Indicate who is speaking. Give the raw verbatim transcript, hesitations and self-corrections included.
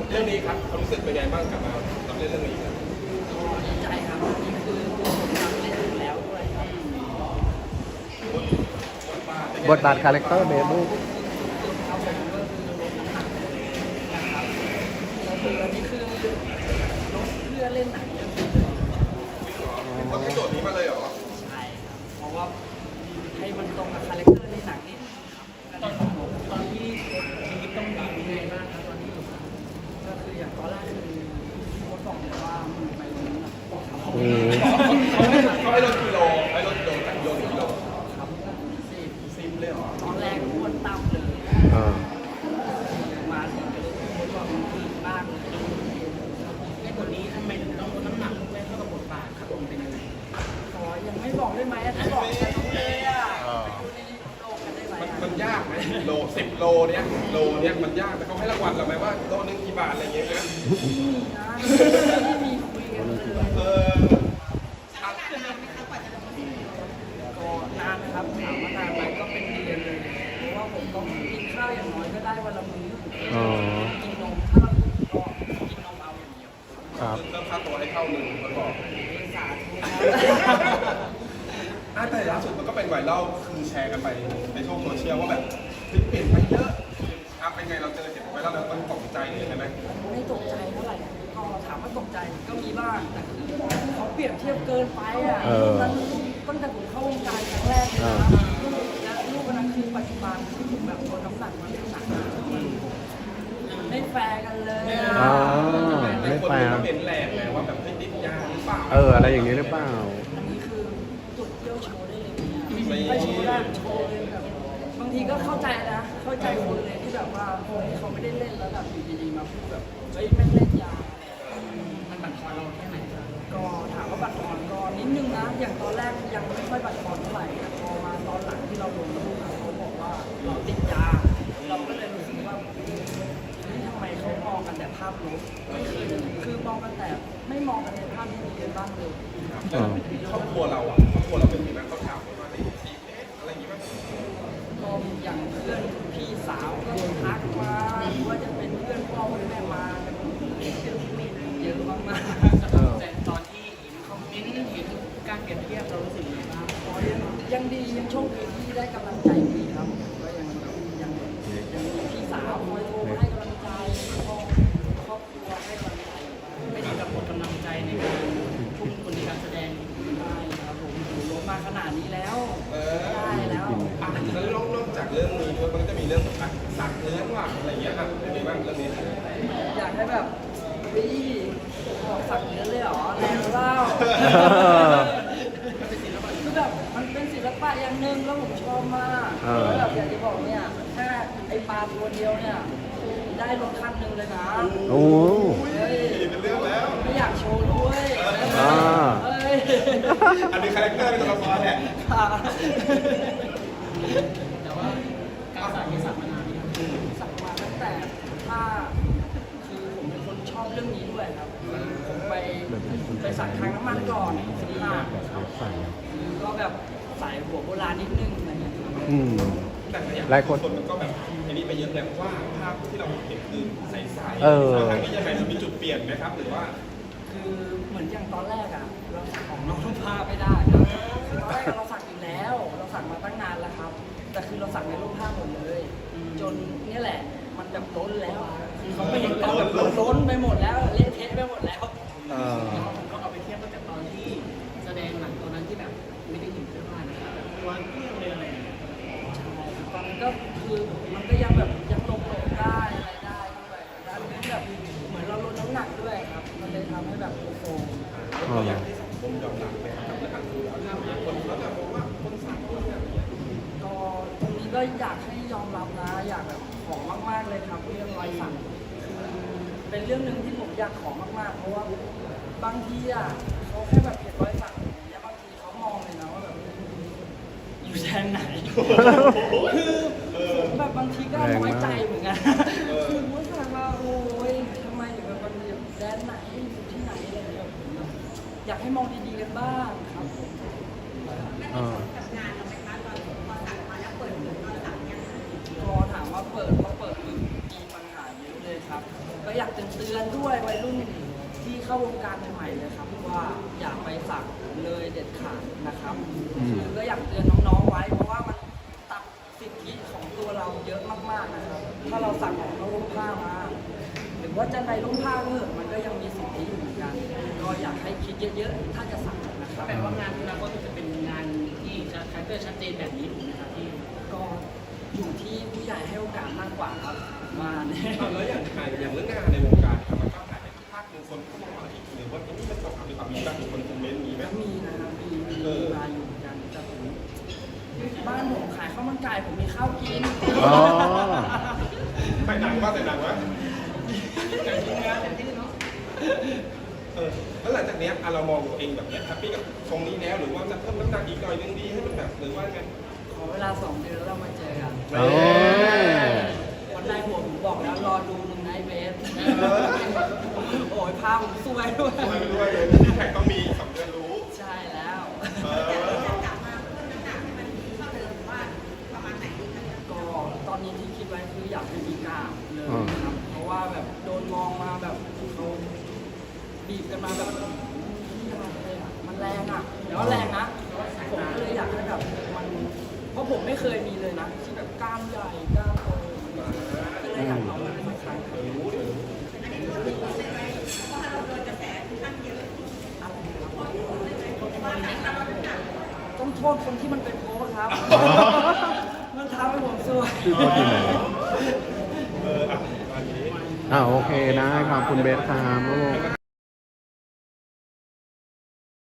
Speaker 1: เรื่องนี้ครับความรู้สึกเป็นไงบ้างกลับมารับเล่นเรื่องนี้ครับ
Speaker 2: ดีใจครับนี่คือผมทำเล่นอยู่แล้วด้วยครับ
Speaker 3: บทบาทคาแรคเตอร์เบบู
Speaker 2: ครับผมก็คือลดน้ำหนักนะครับแล้วคืออันนี้คือลดเพื่อเล่นหนังเรื่องนี้เลย
Speaker 1: ต้องให้โจทย์นี้มาเลยเหรอ
Speaker 2: ใช่ครับเพราะว่าให้มันตรงกับคาแรคเตอร์ในหนังนี่ตอนตอนที่มีต้องมียังไงบ้างครับตอนที่ก็คืออย่างตอนแรกคือพี่โค้ชบอกเลยว่ามันไปลดน้ำหนักครับ
Speaker 3: อืม
Speaker 1: เขาให้เขาให้ลดกิโลให้ลดกิโลจากกิโลหนึ่งกิโล
Speaker 2: ครับสิบ
Speaker 1: ซิมเลยเหรอ
Speaker 2: ตอนแรกอ้วนต่ำเลย
Speaker 3: อ่า
Speaker 2: มาถึงก็เลยพูดว่ามันดีมากเลยในบทนี้ทำไมถึงต้องลดน้ำหนักไม่เท่ากับบทบาทครับผมเป็นยังไงขอยังไม่บอกได้ไหมถ้าบอกจะรู้เลยอ่ะไปดูในโลกกันได้ไหม
Speaker 1: มันมันยากไหมโลสิบโลเนี้ยโลเนี้ยมันยากแต่เขาให้รางวัลเราไหมว่าโลนึงกี่บาทอะไรเงี้ยนะ
Speaker 2: มีนะไม่มีคุยกันเลย
Speaker 1: เออ
Speaker 2: ก็นานนะครับถามว่านานไหมก็เป็นเดือนเลยเพราะว่าผมต้องกินข้าวอย่างน้อยก็ได้วันละมื้อ
Speaker 3: อ๋อ
Speaker 2: กินนมถ้าเราก็กินนมเอาอย่างเดียว
Speaker 3: ครับ
Speaker 1: เริ่มค่าตัวให้เท่าหนึ่งคนบอก
Speaker 2: สาธุ
Speaker 1: อ่ะแต่ล่าสุดมันก็เป็นไวรัลคือแชร์กันไปในโลกโซเชียลว่าแบบพลิกเปลี่ยนไปเยอะอ่ะเป็นไงเราเจอเห็นไวรัลแล้วมันตกใจเลยใช่ไหม
Speaker 2: ไม่ตกใจเท่าไหร่พอถามว่าตกใจก็มีบ้างแต่คือเขาเปรียบเทียบเกินไปอ่ะ
Speaker 3: เออ
Speaker 2: นั้นตั้งแต่ผมเข้าวงการครั้งแรกเลยนะและลูกคนนั้นคือปัจจุบันที่ผมแบบลดน้ำหนักมาเรื่องหนักมันไม่แฟร์กันเลยอ่ะ
Speaker 3: อ๋อ
Speaker 1: แต่
Speaker 3: ไม่
Speaker 1: คน
Speaker 3: แฟ
Speaker 1: มัน
Speaker 3: ร์
Speaker 1: ก็เป็นแหลกไงว่าแบบไม่ติดยาหรือเปล่า
Speaker 3: เออ อะไรอย่างนี้หรือเปล่า
Speaker 2: อันนี้คือจุดเที่ยวโชว์ได้เลยเนี่ยไม่โชว์ได้โชว์เลยแบบบางทีก็เข้าใจนะ เข้าใจคนเลยที่แบบว่าเฮ้ยเขาไม่ได้เล่นแล้วแบบอยู่ดีๆมาพูดแบบเฮ้ยแม่งเล่นยามันบั่นทอนเราแค่ไหนก็ถามว่าบั่นทอนก็นิดนึงนะ อย่างตอนแรกยังไม่ค่อยบั่นทอนเท่าไหร่แต่พอมาตอนหลังที่เราลงรูปเขาบอกว่าเราติดยา เราก็เลยรู้สึกว่าเฮ้ยทำไมเขามองกันแต่ภาพลบไม่เคยคือมองกันแต่ไม่มองกันในภาพที่ดีกันบ้างเลย
Speaker 1: แล้วครอบครัวเราอ่ะครอบครัวเราเป็นยังไงเขาถามว่าได้ซีเอสอะไรอย่างงี้มั้ย
Speaker 2: ก็อย่างเพื่อนพี่สาวก็ทักมาหรือว่าจะเป็นเพื่อนพ่อเพื่อนแม่มากันเยอะมากๆ
Speaker 3: เออ
Speaker 2: แต่ตอนที่เห็นคอมเมนต์เห็นการเปรียบเทียบเรารู้สึกยังไงบ้างอ๋อยังยังดียังโชคดีที่ได้กำลังใจดีครับก็ยังยังยังมีพี่สาวคอยโทรมาให้กำลังใจพ่อครอบครัวให้กำลังใจไม่ได้กับหมดกำลังใจในการทุ่มคนในการแสดงได้ครับผมอยู่ลงมาขนาดนี้แล้ว
Speaker 1: เออ
Speaker 2: ได้แล้ว
Speaker 1: อ่ะแล้วนอกจากเรื่องนี้ด้วยมันก็จะมีเรื่องอ่ะสักเนื้อว่ะอะไรอย่างเงี้ยอ่ะเป็นไงบ้างเรื่องนี้
Speaker 2: อยากให้แบบวิบอกสักเนื้อเลยเหรอแรงเล่าคือแบบมันเป็นศิลปะอย่างหนึ่งแล้วผมชอบมาก
Speaker 3: เออ
Speaker 2: แล้วแบบอยากจะบอกเนี่ยแค่ไอปลาตัวเดียวเนี่ยได้รถคันหนึ่งเลยนะ
Speaker 3: โอ้
Speaker 2: เฮ้ย
Speaker 1: เป็นเรื่องแล้ว
Speaker 2: ไม่อยากโชว์ด้วย
Speaker 3: อ่า
Speaker 2: เฮ้ย
Speaker 1: อันนี้คาแรคเตอร์เป็นตัวละครแหละ
Speaker 2: ค่ะ
Speaker 4: แต่ว่าการสักที่สักมานานนี่ครับ
Speaker 2: สักมาตั้งแต่ถ้าคือผมเป็นคนชอบเรื่องนี้ด้วยครับผมไปไปสักครั้งน้ำมันก่อนสิบห้า
Speaker 3: ใส่
Speaker 2: ก็แบบสายหัวโบราณนิดนึงอะไรเงี้ยครับ
Speaker 3: อืม
Speaker 1: แต่ก็อยาก
Speaker 3: หลายคน
Speaker 1: มันก็แบบอันนี้ไปเยอะแล้วว่าภาพที่เราเห็นคือใสๆ
Speaker 3: เออ
Speaker 1: ทางนี้ยังไงมันมีจุดเปลี่ยนไหมครับหรือว่า
Speaker 2: คือเหมือนอย่างตอนแรกอะเราสักของน้องรูปภาพไม่ได้ครับคือตอนแรกเราสักอยู่แล้ว เราสักมาตั้งนานแล้วครับ แต่คือเราสักในรูปภาพหมดเลย จนเนี่ยแหละมันแบบล้นแล้วอะคือเขาไม่เห็นเราแบบล้นไปหมดแล้วเละเทะไปหมดแล้ว
Speaker 3: เออ
Speaker 4: ผมก็เอาไปเทียบกับตอนที่แสดงหนังตัวนั้นที่แบบไม่ได้เห็นเสื้อผ้านะครับแบบตัวเที่ยวเลยอะไรอย่างเงี้ย
Speaker 2: ใช่ตอนนั้นก็คือมันก็ยังแบบยังลงลงได้อะไรได้ด้วยแล้วอันนี้แบบเหมือนเราลดน้ำหนักด้วยครับ มันเลยทำให้แบบโฟม
Speaker 1: เราอยากให้สังคมยอมรับไหมครับแล้วก็คือถ้ามีคนเขาจะมองว่าคนสักคนแบบนี้
Speaker 2: ก็ตรงนี้ก็อยากให้ยอมรับนะ อยากแบบขอมากๆเลยครับเรื่องรอยสักคือเป็นเรื่องหนึ่งที่ผมอยากขอมากๆ เพราะว่าบางทีอ่ะเขาแค่แบบเห็นรอยสักอย่างเงี้ยบางทีเขามองเลยนะว่าแบบอยู่แดนไหน คือผมแบบบางทีก็น้อยใจเหมือนกันคือว่าถามว่าโอ้ยทำไมถึงแบบมันอยู่แดนไหนอยู่ที่ไหนอะไรอย่างเงี้ยผมแบบอยากให้มองดีๆกันบ้างครับผม
Speaker 3: อ่า
Speaker 2: พอถามว่าเปิดก็เปิดคือมีปัญหาเยอะเลยครับ ก็อยากเตือนๆด้วยวัยรุ่นที่เข้าวงการใหม่ๆเลยครับว่าอย่าไปสักเลยเด็ดขาดนะครับคือก็อยากเตือนน้องๆไว้เพราะว่ามันตัดสิทธิของตัวเราเยอะมากๆนะครับถ้าเราสักของนอกร่มผ้ามาหรือว่าจะในร่มผ้าก็เถอะมันก็ยังมีสิทธิอยู่เหมือนกันก็อยากให้คิดเยอะๆถ้าจะสักนะครับ
Speaker 4: แปลว่างานอนาคตจะเป็นงานที่จะคาแรคเตอร์ชัดเจนแบบนี้ถูกไหมครับพี่
Speaker 2: ก็อยู่ที่ผู้ใหญ่ให้โอกาสมากกว่าครับว่าเนี่ย
Speaker 1: เอาแล้วอย่างถ่ายอย่างเรื่องงานในวงการครับมันก็ถ่ายไปภาคหนึ่งคนเข้ามาอีกหรือว่าที่มันต้องทำในความมีบ้างมีคนคอมเมนต์มีไหม
Speaker 2: มีนะครับมีมีมีมาอยู่เหมือนกันแต่ผมบ้านผมขายข้าวมันไก่ผมมีข้าวกิน
Speaker 3: อ๋อ
Speaker 1: ถ่ายหนังว่าถ่ายหนังวะ
Speaker 4: แต่จริงๆแล้วเต็มที่เนาะ
Speaker 1: เออแล้วหลังจากเนี้ยอ่ะเรามองตัวเองแบบเนี้ยแฮปปี้กับทรงนี้แล้วหรือว่าจะเพิ่มน้ำหนักอีกหน่อยนึงดีให้มันแบบหรือว่าไง
Speaker 2: ขอเวลาสองเดือนแล้วเรามาเจอกัน
Speaker 3: โอ้ย
Speaker 2: วันในผมบอกแล้วรอดูหนึ่งไนท์เบสโอ้ยพาผมสวยด้วย
Speaker 1: ด้วยด้วยเลยที่แท็กต้องมีสองเดือนรู้
Speaker 2: ใช่แล้ว
Speaker 1: เออ
Speaker 2: ก็ตอนนี้ที่คิดไว้คืออยากเป็นอีกาเลยนะครับเพราะว่าแบบโดนมองมาแบบเขาบีบกันมาแบบที่อะไรเลยอ่ะมันแรงอ่ะเดี๋ยวว่าแรงนะผมก็เลยอยากให้แบบมันเพราะผมไม่เคยมีเลยนะที่แบบกล้ามใหญ่กล้ามโตก็เลยอยากเอามาเป็นครั้งต้องโทษคนที่มันเป็นโค้ชครับ มันทำให้ผมสวย
Speaker 3: ชื่อโค้ชอยู่ไหน
Speaker 1: เอออ่ะวันนี้
Speaker 3: อ่าโอเคนะขอบคุณเบสครับลูก